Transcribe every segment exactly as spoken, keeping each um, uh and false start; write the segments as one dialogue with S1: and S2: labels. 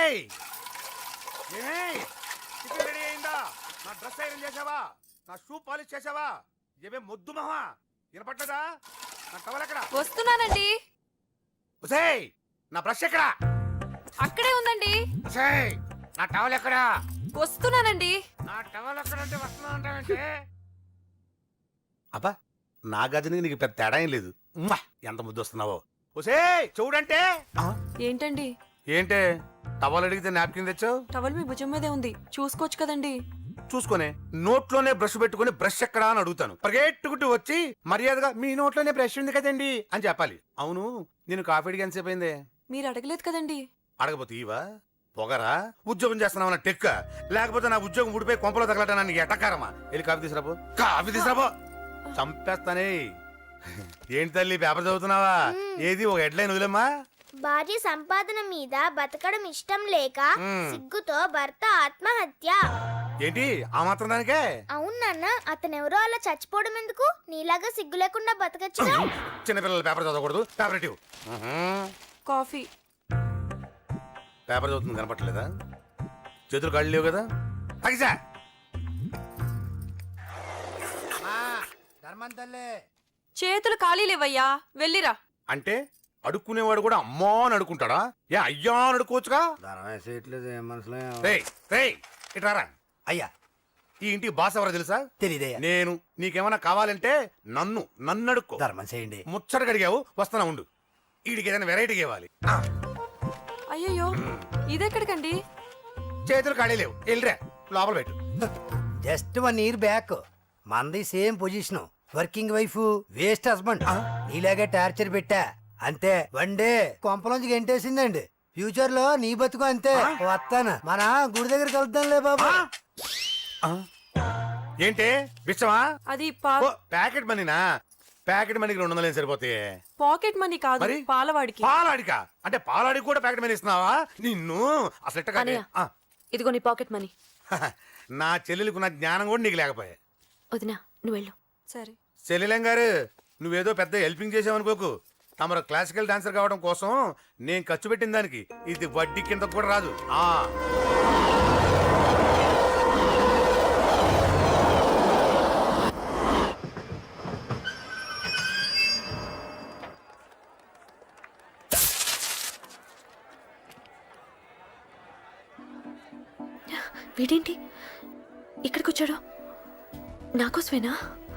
S1: ఒసేయ్ ఏయ్ tiffin ready అయిందా? నా డ్రెస్ ఐరన్ చేసావా? నా షూ పాలిష్ చేసావా? ఏమే మొద్దు మహా వినపట్టదా? నా టవల్ ఎక్కడ?
S2: వస్తున్నానండి.
S1: ఒసేయ్ నా బ్రష్ ఎక్కడ?
S2: అక్కడే ఉందండి.
S1: ఒసేయ్ నా టవల్ ఎక్కడ?
S2: వస్తున్నానండి.
S1: నా టవల్ ఎక్కడంటే వస్తున్నా అంటావేంటే? అబ్బా నా గదిని నీకు పెద్ద తేడా ఏం లేదు. ఉమ్మా, ఎంత ముద్దు వస్తున్నావో. ఒసేయ్ చూడంటే.
S2: ఏంటండి?
S1: ఏంటే టవల్ అడిగితే నాప్కిన్ తెచ్చావు?
S2: టవల్ మీ భుజం మీదే ఉంది, చూసుకోవచ్చు కదండి.
S1: చూసుకునే నోట్లోనే బ్రష్ పెట్టుకుని బ్రష్ ఎక్కడా అని అడుగుతాను. పరిగెట్టుకుంటూ వచ్చి మర్యాదగా మీ నోట్లోనే బ్రష్ ఉంది కదండి అని చెప్పాలి. అవును నేను కాఫీ అడిగి ఎంతసేపు అయిందే?
S2: మీరు అడగలేదు కదండి.
S1: అడగపోతే ఇవా పొగరా? ఉద్యోగం చేస్తున్నావు టెక్క, లేకపోతే నా ఉద్యోగం ఊడిపోయి కొంపలో తగలటా నీకు ఎటకారమా? వెళ్ళి కాఫీ తీసుకురాబో. కాఫీ తీసుకురాబో. చంపేస్తానే. ఏంటి తల్లి పేపర్ చదువుతున్నావా? ఏది ఒక హెడ్లైన్ వదిలేమ్మా.
S3: భార్య సంపాదన మీద బతకడం ఇష్టం లేక సిగ్గుతో భర్త ఆత్మహత్య.
S1: ఏంటి ఆ మాత్రం దానికే?
S3: అవును నాన్న, అతనెవరో అలా చచ్చిపోవడం ఎందుకు? నీలాగా సిగ్గు లేకుండా బతకచ్చు.
S1: చిన్నపిల్లల పేపర్ చదవకూడదు. పేపర్ ఇవ్వు.
S2: కాఫీ.
S1: పేపర్ చదువుతుంది కనపట్లేదా? చేతులు కాళ్ళు లేవు కదా? తగ్గిసా
S2: చేతులు ఖాళీ లేవయ్యా, వెళ్ళిరా.
S1: అంటే అడుక్కునేవాడు కూడా అమ్మా అని అడుకుంటాడా? ఏ అయ్యా అని అడుకోవచ్చుగా? ఇట్రారా
S4: అయ్యా.
S1: ఈ ఇంటికి బాస్ ఎవరో తెలుసా?
S4: తెలీదయ్యా.
S1: నేను. నీకేమన్నా కావాలంటే నన్ను నన్ను అడుక్కో.
S4: ధర్మం చేయండి.
S1: ముచ్చట కడిగావు, వస్తానా ఉండు. వీడికి ఏదైనా వెరైటీ ఇవ్వాలి.
S2: అయ్యయ్యో, ఇదెక్కడికండి?
S1: చేతులు ఖాళీ లేవు, వెళ్ళిరా లోపల పెట్టు.
S4: జస్ట్ వన్ ఇయర్ బ్యాక్ మంది same position. Working wife, waste husband. నీలాగే టార్చర్ పెట్టా అంతే. వన్ డే కొంపలోంచి గెంటేసిందండి. ఫ్యూచర్ లో నీ బతుకు అంతే. వస్తాను, మన గుడి దగ్గర కలుద్దాంలే బాబా.
S1: ఏంటి విషమా?
S2: అది
S1: ప్యాకెట్ మనీనా? ప్యాకెట్ మనీకి రెండు వందలు సరిపోతాయి.
S2: పాకెట్ మనీ కాదు, పాలవాడికి.
S1: పాలాడికా? అంటే పాలాడికి కూడా ప్యాకెట్ మనీ ఇస్తున్నావా? నిన్ను అసలు
S2: ఇదిగో నీ పాకెట్ మనీ.
S1: నా చెల్లెలకు నా జ్ఞానం కూడా నీకు లేకపోయా.
S2: వదినా నువ్వు వెళ్ళు. సరే
S1: చెల్లెలం గారు, నువ్వేదో పెద్ద హెల్పింగ్ చేసావనుకోకు. తమరు క్లాసికల్ డాన్సర్ కావడం కోసం నేను ఖర్చు పెట్టిన దానికి ఇది వడ్డీ కింద కూడా రాదు. ఆ
S2: వీడేంటి ఇక్కడికి వచ్చాడు? నాకోసమేనా?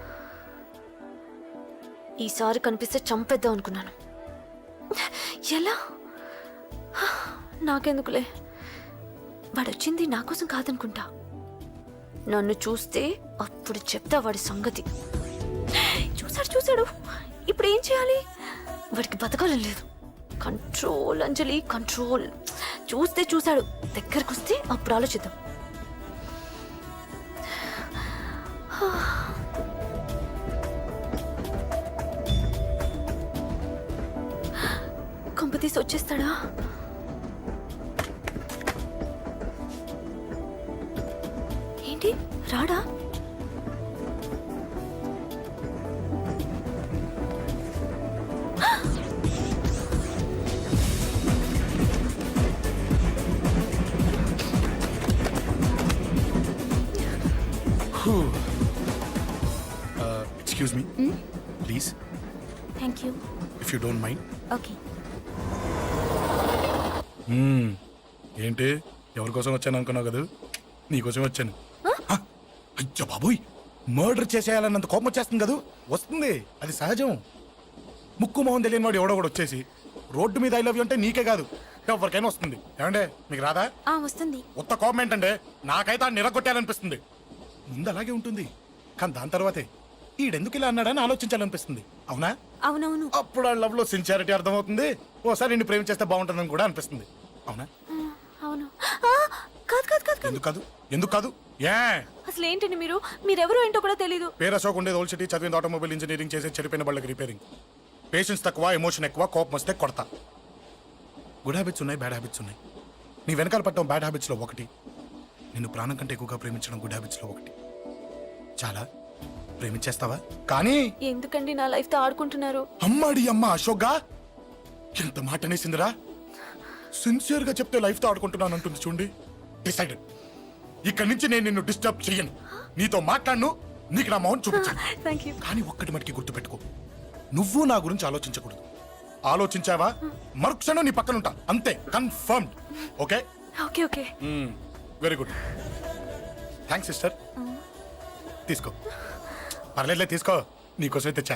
S2: ఈసారి కనిపిస్తే చంపేద్దాం అనుకున్నాను. ఎలా? నాకెందుకులే, వాడొచ్చింది నా కోసం కాదనుకుంటా. నన్ను చూస్తే అప్పుడు చెప్తా వాడి సంగతి. చూసాడు చూసాడు, ఇప్పుడు ఏం చేయాలి? వాడికి బతకాలని లేదు. Control Anjali, control. చూస్తే చూశాడు, దగ్గరకు వస్తే అప్పుడు ఆలోచిద్దాం. కంపతీసి వచ్చేస్తాడా? ఏంటి రాడా?
S5: Excuse me, mm? please.
S2: Thank you.
S5: If you don't mind.
S2: Okay.
S5: Hmm. ఏంటి ఎవరి కోసం వచ్చాను అనుకున్నావు కదా? నీకోసం వచ్చాను. అయ్యో బాబోయ్, మర్డర్ చేసేయాలన్నంత కోపం వచ్చేస్తుంది కదా? వస్తుంది, అది సహజం. ముక్కు మొహం తెలియని వాడు ఎవడో కూడా వచ్చేసి రోడ్డు మీద ఐ లవ్ యూ అంటే నీకే కాదు ఎవరికైనా వస్తుంది. ఏమంటే మీకు రాదా?
S2: వస్తుంది.
S5: ఉత్త కోపం ఏంటంటే నాకైతే ఆ నిరగొట్టాలనిపిస్తుంది. ముందు అలాగే ఉంటుంది, కానీ దాని తర్వాతే ఈడెందుకు ఇలా అన్నాడని ఆలోచించాలనిపిస్తుంది. అవునా?
S2: అవునవును.
S5: అప్పుడు ఆ లవ్ లో సిన్సియారిటీ అర్థమవుతుంది. ఓసారి నిన్ను ప్రేమించేస్తే బాగుంటుందని కూడా అనిపిస్తుంది. అవునా?
S2: అవును. కాదు కాదు కాదు
S5: ఎందుకు కాదు? ఎందుకు కాదు? ఏ
S2: అసలు ఏంటండి మీరు? మీరెవరో ఏంటో కూడా తెలీదు.
S5: పేరు అశోక్, ఉండేది ఓల్డ్ సిటీ, చదివింది ఆటోమొబైల్ ఇంజనీరింగ్, చేసే చెడిపోయిన వాళ్ళకి రిపేరింగ్. పేషెన్స్ తక్కువ, ఎమోషన్ ఎక్కువ, కోపం వస్తే కొడతా. గుడ్ హ్యాబిట్స్ ఉన్నాయి, బ్యాడ్ హ్యాబిట్స్ ఉన్నాయి. నీ వెనకాల పట్టడం బ్యాడ్ హ్యాబిట్స్ లో ఒకటి, నిన్ను ప్రాణం కంటే ఎక్కువగా ప్రేమించడం గుడ్ హ్యాబిట్స్ లో ఒకటి. చాలా ప్రేమించేస్తావా? కానీ
S2: ఎందుకండి నా లైఫ్ తో ఆడుకుంటున్నారు?
S5: అమ్మాడి అమ్మ అశోక్గా ఎంత మాట అనేసిందిరా. సిన్సియర్ గా చెప్తే లైఫ్ తో ఆడుకుంటున్నాను అంటుంది చూడండి. డిసైడెడ్. ఇక్కడి నుంచి నేను నిన్ను డిస్టర్బ్ చెయ్యను. నీతో మాట్లాడను, నీకు నా మౌన్ చూపించాను.
S2: Thank you.
S5: కానీ ఒక్కటి మటుకి గుర్తుపెట్టుకో, నువ్వు నా గురించి ఆలోచించకూడదు. ఆలోచించావా మరుక్షణం నీ పక్కన ఉంటా, అంతే. Confirmed. Okay
S2: okay okay.
S5: Very good. Thanks sister. తీసుకో. పర్లేదులే, తీసుకో. నీకోసమే తెచ్చా.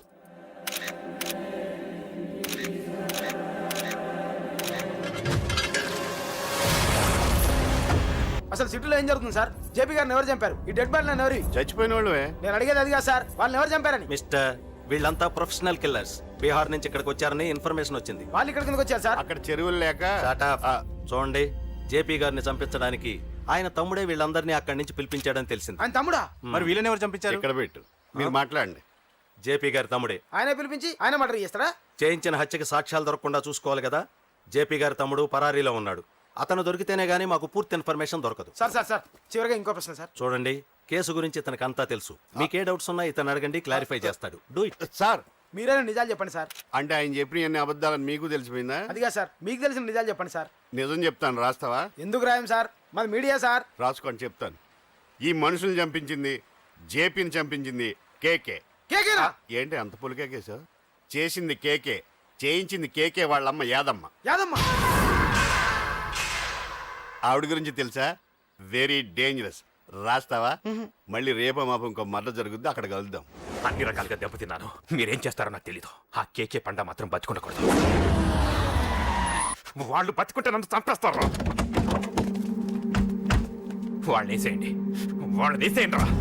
S6: అసలు సిటీలో ఏం జరుగుతుంది సార్? జేపీ గారిని ఎవరు చంపారు? ఈ డెడ్ బాడీ ఎవరు?
S1: చచ్చిపోయిన వాళ్ళే.
S6: నేను అడిగేది అది కాదు సార్, వాళ్ళని ఎవరు చంపారని.
S7: మిస్టర్, వీళ్ళంతా ప్రొఫెషనల్ కిల్లర్స్. బీహార్ నుంచి ఇక్కడికి వచ్చారని ఇన్ఫర్మేషన్ వచ్చింది.
S6: వాళ్ళు ఇక్కడ కిందకి వచ్చారు సార్.
S1: అక్కడ చెరువులు లేక
S7: Shut up. చూడండి, జేపీ గారిని చంపించడానికి ఆయన తమ్ముడే వీళ్ళందరినీ అక్కడి నుంచి పిలిపించాడని తెలిసింది.
S6: ఆయన తమ్ముడా?
S1: మరి వీళ్ళని ఎవరు చంపించారు? ఇక్కడ పెట్టు, మీరు మాట్లాడండి.
S7: జేపీ గారి తమ్ముడే.
S6: ఆయనే పిలిపించి ఆయన మర్డర్ చేస్తారా?
S7: చేయించిన హత్యకి సాక్ష్యాలు దొరకకుండా చూసుకోవాలి కదా. జేపీ గారి తమ్ముడు పరారీలో ఉన్నాడు. అతను దొరికితేనే గానీ మాకు పూర్తి ఇన్ఫర్మేషన్ దొరకదు.
S6: సార్ సార్ సార్ చివరిగా ఇంకో ప్రశ్న సార్.
S7: చూడండి, కేసు గురించి ఇతనికి అంతా తెలుసు. మీకే డౌట్స్ ఉన్నా ఇతను అడగండి, క్లారిఫై చేస్తాడు. Do it.
S1: సార్
S6: మీరే నిజాలు చెప్పండి సార్.
S1: అంటే ఆయన చెప్పిన అన్ని అబద్ధాలని మీకు తెలిసిపోయిందా?
S6: అదిగా సార్, మీకు తెలిసిన నిజాలు చెప్పండి సార్.
S1: నిజం చెప్తాను, రాస్తావా?
S6: ఎందుకు రాయం సార్, మాది మీడియా సార్.
S1: రాసుకోండి, చెప్తాను. ఈ మనుషుల్ని చంపించింది, జేపీని చంపించింది కేకే.
S6: కేకేనా?
S1: ఏంటి అంత పులికేకే సార్? చేసింది కేకే, చేయించింది కేకే వాళ్ళమ్మ యాదమ్మ.
S6: యాదమ్మ?
S1: ఆవిడ గురించి తెలుసా? Very dangerous. రాస్తావా? మళ్ళీ రేపో మాపం ఇంకో మర్ర జరుగుద్ది, అక్కడ కలుద్దాం.
S8: అన్ని రకాలుగా దెబ్బతిన్నాను. మీరేం చేస్తారో నాకు తెలీదు. ఆ కేకే పండ మాత్రం బతుకుండకూడదు. వాళ్ళు బతుకుంటే నన్ను చంపేస్తారు. వాళ్ళని వేసేయండి, వాళ్ళని వేసేయండి రా.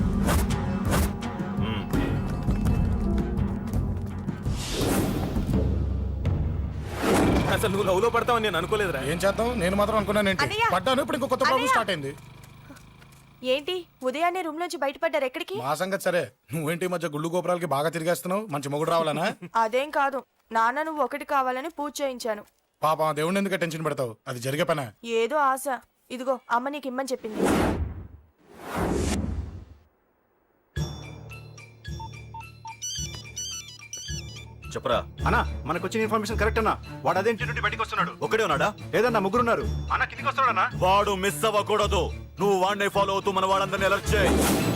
S8: అసలు నువ్వు లవ్లో పడతావని నేను అనుకోలేదురా.
S5: ఏం చేద్దాం, నేను మాత్రం అనుకున్నాను. ఏంటి
S9: అన్నయ్య!
S5: పడ్డాను, ఇప్పుడు ఇంకో కొత్త ప్రాబ్లం
S9: అన్నయ్య!
S5: స్టార్ట్ అయింది.
S9: ఏంటి ఉదయాన్నే రూమ్ నుంచి బయటపడ్డారు? ఎక్కడికి?
S5: మా సంగతి సరే, నువ్వేంటి ఈ మధ్య గుళ్ళు గోపురాలకి బాగా తిరిగేస్తున్నావు? మంచి మొగుడు రావాలనా?
S9: అదేం కాదు, నాన్న నువ్వు ఒకటి కావాలని పూజ చేయించాను.
S5: పాప దేవుడిని ఎందుకు టెన్షన్ పెడతావు? అది జరిగే పనా?
S9: ఏదో ఆశ. ఇదిగో అమ్మ నీకు ఇమ్మని చెప్పింది.
S7: చెప్పరా
S10: అన్నా, మనకు వచ్చిన ఇన్ఫర్మేషన్ కరెక్ట్ అన్నా. వాడు అదేంటి నుండి బయటకు వస్తున్నాడు.
S7: ఒకడే ఉన్నాడా?
S10: లేదన్నా, ముగ్గురున్నారు.
S8: అన్న కిందికి వస్తాడన్నా.
S7: వాడు మిస్ అవ్వకూడదు. నువ్వు వాడిని ఫాలో అవుతూ మన వాళ్ళందరినీ అలర్ట్ చేయి.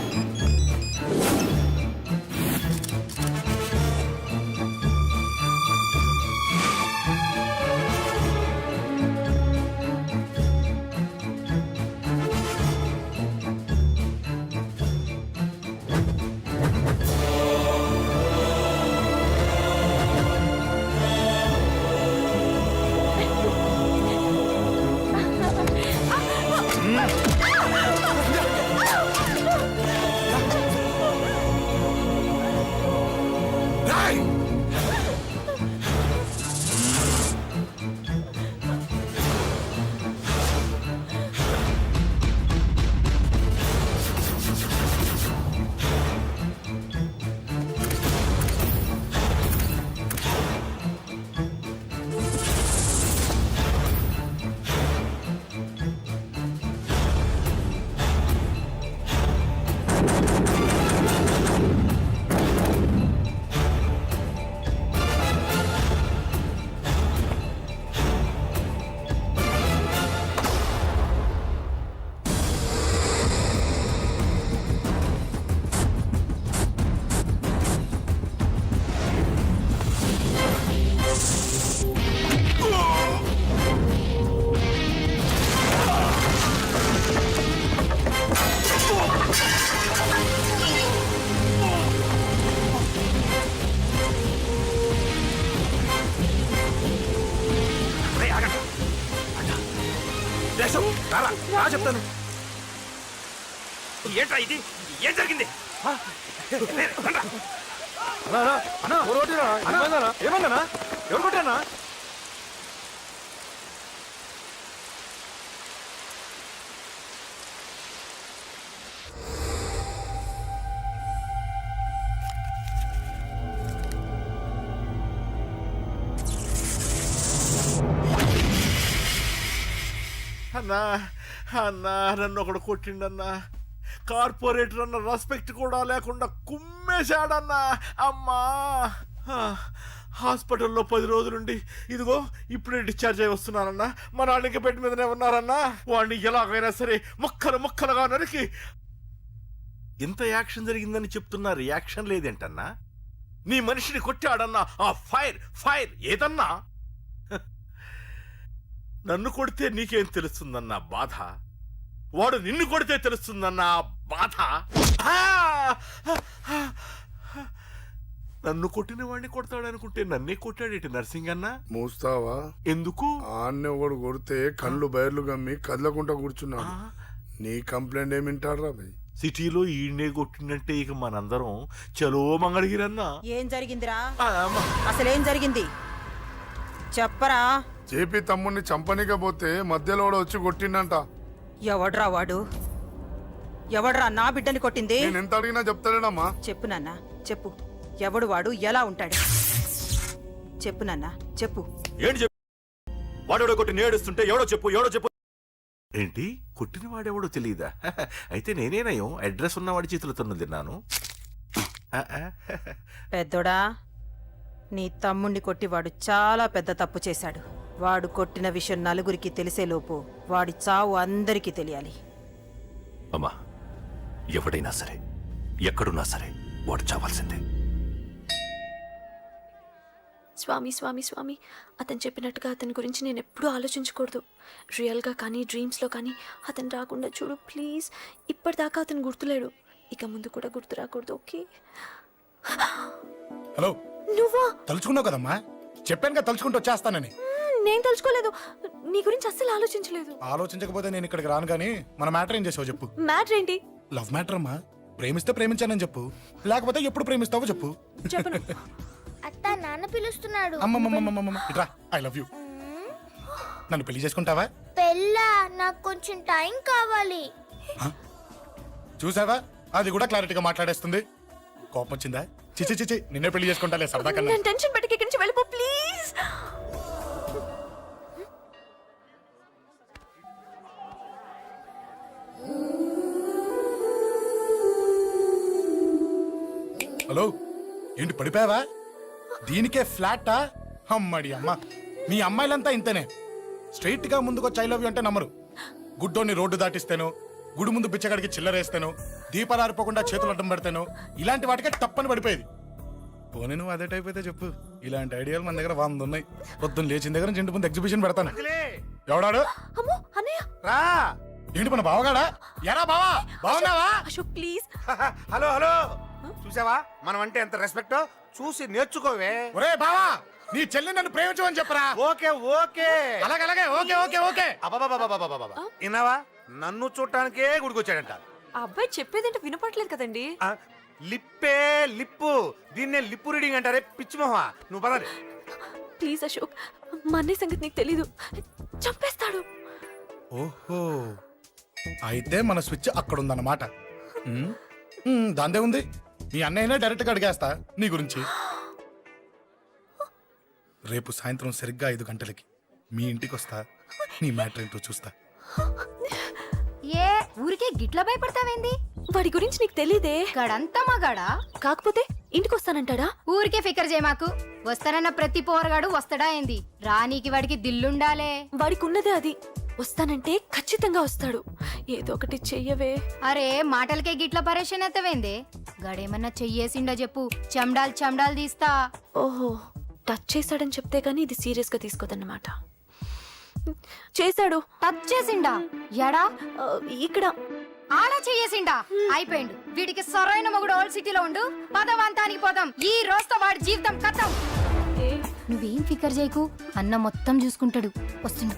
S8: చెప్తాను. ఏంట్రా ఇది? ఏం జరిగింది?
S6: ఏమన్నా ఎవరు కొట్టానా?
S10: అన్నా అన్నా నన్ను ఒకడు కొట్టిండన్నా. కార్పొరేటర్ అన్న రెస్పెక్ట్ కూడా లేకుండా కుమ్మేశాడన్నా. అమ్మా
S11: హాస్పిటల్లో పది రోజులుండి ఇదిగో ఇప్పుడే డిశ్చార్జ్ అయి వస్తున్నానన్నా మా నాన్నకి బెడ్ మీదనే ఉన్నారన్నా వాడిని ఎలాగైనా సరే ముక్కలు ముక్కలుగా నరికి ఇంత యాక్షన్ జరిగిందని చెప్తున్నా రియాక్షన్ లేదేంటన్నా నీ మనిషిని కొట్టాడన్నా ఆ ఫైర్ ఫైర్ ఏదన్నా హ. నన్ను కొడితే నీకేం తెలుస్తుందన్నా బాధ వాడు నిన్ను కొడితే తెలుస్తుందన్నా బాధ ఆ! నన్ను కొట్టిన వాడిని కొడతాడనుకుంటే నన్నే కొట్టాడేటి నర్సింగన్న
S5: మూస్తావా?
S11: ఎందుకు
S5: ఆన్నే ఒకడు కొడితే కళ్ళు బయర్లు గమ్మి కదలకుండా కూర్చున్నాడు. నీ కంప్లైంట్ ఏమింటారా భయ్?
S11: సిటీలో ఈయనే కొట్టిందంటే ఇక మనందరం చలో మంగళగిరన్నా
S9: ఏం జరిగిందిరా
S11: ఆ, అమ్మ.
S9: అసలేం జరిగింది చెప్పరా
S5: జేపీ తమ్ముడిని చంపనీకపోతే మధ్యలో వాడు వచ్చి కొట్టిండంట.
S9: ఎవడ్రా వాడు ఎవడ్రా నా బిడ్డని కొట్టింది
S5: నేను ఎంత అడిగినా చెప్తాడేనమ్మా.
S9: చెప్పు నాన్న చెప్పు ఎవడు వాడు ఎలా ఉంటాడు చెప్పు నాన్న చెప్పు
S7: ఏంటి చెప్పు వాడెవడో కొట్టి నేడుస్తుంటే ఎవడో చెప్పు ఎవడో చెప్పు.
S11: ఏంటి కొట్టిన వాడెవడో తెలియదా అయితే నేనేనయం అడ్రస్ ఉన్నవాడి చేతులతో తిన్నాను ఆ, ఆ.
S9: పెద్దోడా నీ తమ్ముణ్ణి కొట్టి వాడు చాలా పెద్ద తప్పు చేశాడు వాడు కొట్టిన విషయం నలుగురికి తెలిసేలోపు వాడి చావు అందరికీ తెలియాలి
S7: అమ్మా ఎవడైనా సరే ఎక్కడున్నా సరే వాడు చావాల్సిందే.
S2: స్వామి స్వామి స్వామి అతను చెప్పినట్టుగా అతని గురించి నేను ఎప్పుడూ ఆలోచించకూడదు. రియల్గా కానీ డ్రీమ్స్లో కానీ అతను రాకుండా చూడు ప్లీజ్. ఇప్పటిదాకా అతను గుర్తులేడు, ఇక ముందు కూడా గుర్తు రాకూడదు. ఓకే.
S5: హలో,
S2: నువ్వా?
S5: తలుచుకున్నావు కదమ్మా, చెప్పాను కదా తలుచుకుంటూ వచ్చేస్తానని.
S2: మ్మ్, నేను తలుచుకోలేదు, నీ గురించి అస్సలు ఆలోచించలేదు.
S5: ఆలోచించకపోతే నేను ఇక్కడికి రాను కానీ మన మ్యాటర్ ఏం చేసావు చెప్పు.
S2: మ్యాటర్ ఏంటి?
S5: లవ్ మ్యాటర్ అమ్మా. ప్రేమిస్తే ప్రేమించానని చెప్పు, లేకపోతే ఎప్పుడు ప్రేమిస్తావో చెప్పు.
S2: చెప్పను.
S3: అత్త నాన్న పిలుస్తున్నాడు.
S5: అమ్మమ్మమ్మమ్మమ్మ ఇట్రా, ఐ లవ్ యూ. నన్ను పెళ్లి చేసుకుంటావా?
S3: పెళ్ళా? నాకు కొంచెం టైం కావాలి.
S5: చూసావా, అది కూడా క్లారిటీగా మాట్లాడేస్తుంది. కోపం వచ్చిందా? చిచి చిచి, నిన్నే పెళ్లి చేసుకుంటాలే సరదా కన్నా.
S2: నేను టెన్షన్ పెట్టి ఇక్కడి నుంచి వెళ్ళిపో ప్లీజ్.
S5: హలో, ఏంటి పడిపోయావా? దీనికే ఫ్లాటా? అమ్మడి అమ్మ, మీ అమ్మాయిలంతా ఇంతనే. స్ట్రైట్ గా ముందుకొచ్చి ఐ లవ్ యూ అంటే నమ్మరు. గుడ్డోని రోడ్డు దాటిస్తాను, గుడి ముందు బిచ్చగాడికి చిల్లరేస్తాను, దీపాలు ఆరిపోకుండా చేతులు అడ్డం పెడతాను, ఇలాంటి వాటికే తప్పని పడిపోయేది. పోనీ నువ్వు అదే టైప్ అయితే చెప్పు, ఇలాంటి ఐడియాలు మన దగ్గర వంద ఉన్నాయి. పొద్దున్న లేచిన దగ్గర నుంచి ఇంటి ముందు ఎగ్జిబిషన్ పెడతాను. ఎవడాడు?
S2: అమ్మో అన్నయ్య.
S1: రా.
S5: ఏంటి మన బావగాడా? ఎరా బావా, బావున్నావా?
S2: అశోక్ ప్లీజ్.
S1: హలో హలో, చూసావా మనం అంటే ఎంత రెస్పెక్ట్, చూసి నేర్చుకోవే.
S5: ఒరే బావా, నీ చెల్లి నన్ను ప్రేమించమని చెప్పరా.
S1: ఓకే ఓకే,
S5: అలాగే అలాగే, ఓకే ఓకే ఓకే.
S1: అబాబాబాబాబాబాబా, విన్నావా? నన్ను చూడటానికే గుడికొచ్చాడంట.
S9: ఆ అబ్బాయి చెప్పేదంటే వినపడలేదు కదండి
S1: ఆ, లిప్పే లిప్పు, దీన్నే లిప్పు రీడింగ్ అంటారే పిచ్చి మొహ. నువ్వు పదండి.
S2: ప్లీజ్ అశోక్, మా అన్నయ్య సంగతి నీకు తెలీదు, చంపేస్తాడు.
S5: ఓహో, అయితే మన స్విచ్ అక్కడ ఉందన్నమాట. ఉమ్, ఉమ్, దాందే ఉంది. మీ అన్నయ్యనే డైరెక్ట్గా అడిగేస్తా నీ గురించి. రేపు సాయంత్రం సరిగ్గా ఐదు గంటలకి మీ ఇంటికి వస్తా, నీ మ్యాటర్ ఏంటో చూస్తా.
S12: ఏ ఊరికే గిట్ల భయపడతావేంది?
S2: వాడి గురించి నీకు తెలీదే.
S12: గడంతా మగాడా?
S2: కాకపోతే ఇంటికి వస్తానంటాడా?
S12: ఊరికే ఫికర్ చేయమాకు. వస్తానన్న ప్రతి పోరగాడు వస్తాడా ఏంది? రానీకి వాడికి దిల్లుండాలే.
S2: వాడికి ఉన్నదే అది. వస్తానంటే ఖచ్చితంగా వస్తాడు. ఏదో ఒకటి చెయ్యవే.
S12: అరే మాటలకే గిట్ల పరేషన్ ఎత్తవేంది? గడేమన్నా చెయ్యేసిండో చెప్పు, చెమ్డాల్ చెమ్డాల్ తీస్తా.
S2: ఓహో, టచ్ చేశాడని చెప్తే గానీ ఇది సీరియస్ గా తీసుకోదన్నమాట. చేశాడు.
S12: టచ్ చేసిండా? ఎడా?
S2: ఆ, ఇక్కడ.
S12: ఆడా చెయ్యేసిండా? అయిపోయిండు. వీడికి సరైన మొగుడు ఓల్డ్ సిటీలో ఉండు. పదవంతానికి పోదాం. ఈ రోజుతో వాడి జీవితం కథం. నువ్వేం ఫికర్ చేయకు, అన్న మొత్తం చూసుకుంటాడు. వస్తుండు.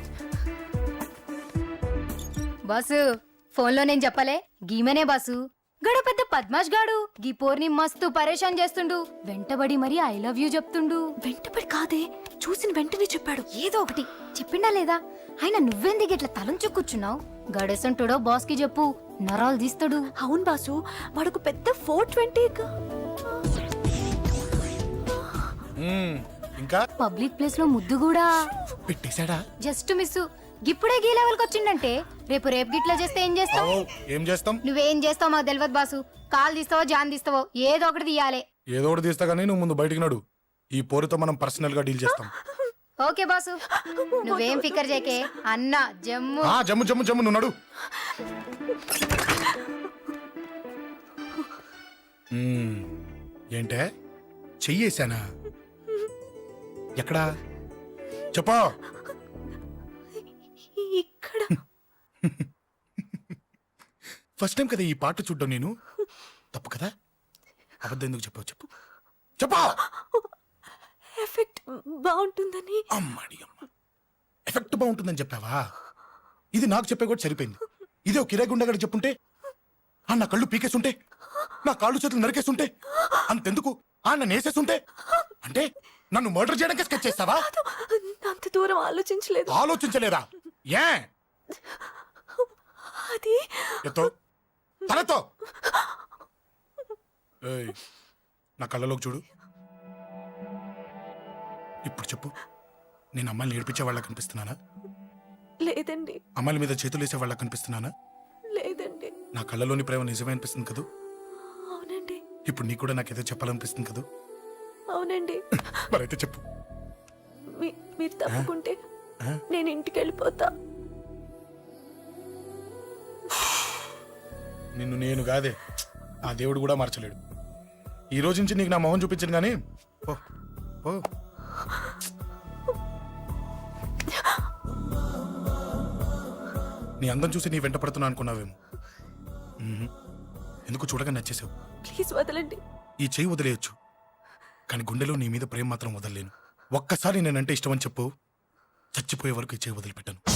S12: బాసు, ఫోన్లో నేను చెప్పలే, గీమనే బాసు. గడు పెద్ద పద్మాష్ గాడు గీ పోర్ని మస్తు పరేషాన్ చేస్తుండు. వెంటబడి మరి ఐ లవ్ యూ చెప్తుండు.
S2: వెంటపడి కాదే, చూసిన వెంటనే చెప్పాడు.
S12: ఏదో ఒకటి చెప్పిండా లేదా? ఆయన నువ్వెందుకు ఇట్లా తలంచు కూర్చున్నావు? గడేసంటుడో బాస్ కి చెప్పు, నరాలు తీస్తాడు.
S2: అవును బాసు, వాడుకు పెద్ద ఫోర్ ట్వంటీ.
S5: ఇంకా
S12: పబ్లిక్ ప్లేస్ లో ముద్దు కూడా
S5: పెట్టేశాడా?
S12: Just miss. ఇప్పుడే గీ లెవెల్కి వచ్చిండంటే రేపు రేపు గిట్లా చేస్తే ఏం చేస్తావు?
S5: ఏం చేస్తాం?
S12: నువ్వేం చేస్తావు మాకు తెలియదు బాసు. కాల్ తీస్తావో జాన్ తీస్తావో ఏదో ఒకటి తీయాలి.
S5: ఏదో ఒకటి తీస్తా కానీ నువ్వు ముందు బయటికి నడు. ఈ పోరుతో మనం పర్సనల్ గా డీల్ చేస్తాం.
S12: ఓకే బాసు నువ్వేం ఫికర్ చేయకే అన్న జమ్ము
S5: ఆ జమ్ము జమ్ము జమ్ము నువ్వు నడు. మ్మ్. ఏంటే చెయ్యేశానా? ఎక్కడా చెప్పా?
S2: ఇక్కడ
S5: ఫస్ట్ టైం కదా ఈ పాట చూడ్డం నేను. తప్పు కదా? అబద్ధం ఎందుకు చెప్పావు చెప్పు చెప్పా.
S2: ఎఫెక్ట్ బాగుంటుందని.
S5: అమ్మాడి అమ్మ, ఎఫెక్ట్ బాగుంటుందని చెప్పావా? ఇది నాకు చెప్పే కూడా సరిపోయింది. ఇదే ఒక కిరాయి గుండెగాడు చెప్పుంటే, ఆ నా కళ్ళు పీకేస్తుంటే, నా కాళ్ళు చేతులు నరికేస్తుంటే, అంతెందుకు ఆ నన్ను వేసేస్తుంటే, అంటే నన్ను మర్డర్ చేయడానికి స్కెచ్ చేస్తావా?
S2: అంత దూరం ఆలోచించలేదు.
S5: ఆలోచించలేదా? ఏ
S2: అది
S5: ఎత్తో తలతో. ఏయ్, నా కళ్ళలోకి చూడు. ఇప్పుడు చెప్పు, నేను అమ్మాయిని ఏడిపించే వాళ్ళ కనిపిస్తున్నానా?
S2: లేదండి.
S5: అమ్మాయిల మీద చేతులు వేసే వాళ్ళ కనిపిస్తున్నానా?
S2: లేదండి.
S5: నా కళ్ళలోని ప్రేమ నిజమే అనిపిస్తుంది కదూ?
S2: అవునండి.
S5: ఇప్పుడు నీకు కూడా నాకేదో చెప్పాలనిపిస్తుంది కదూ?
S2: అవునండి.
S5: మరైతే చెప్పు.
S2: మీ- మీరు తప్పుకుంటే
S5: ఆ?
S2: నేను ఇంటికి వెళ్ళిపోతా.
S5: నిన్ను నేను కాదే, ఆ దేవుడు కూడా మార్చలేడు. ఈ రోజు నుంచి నీకు నా మొహం చూపించను కానీ ఓ ఓ నీ అందం చూసి నీ వెంట పడుతున్నా అనుకున్నావేమో. మ్మ్. ఎందుకు చూడగా నచ్చేసావు.
S2: ప్లీజ్ వదలండి.
S5: ఈ చెయ్యి వదిలేయచ్చు, కానీ గుండెలో నీ మీద ప్రేమ మాత్రం వదలలేను. ఒక్కసారి నేనంటే ఇష్టమని చెప్పు, చచ్చిపోయే వరకు ఈ చెయ్యి వదిలిపెట్టాను.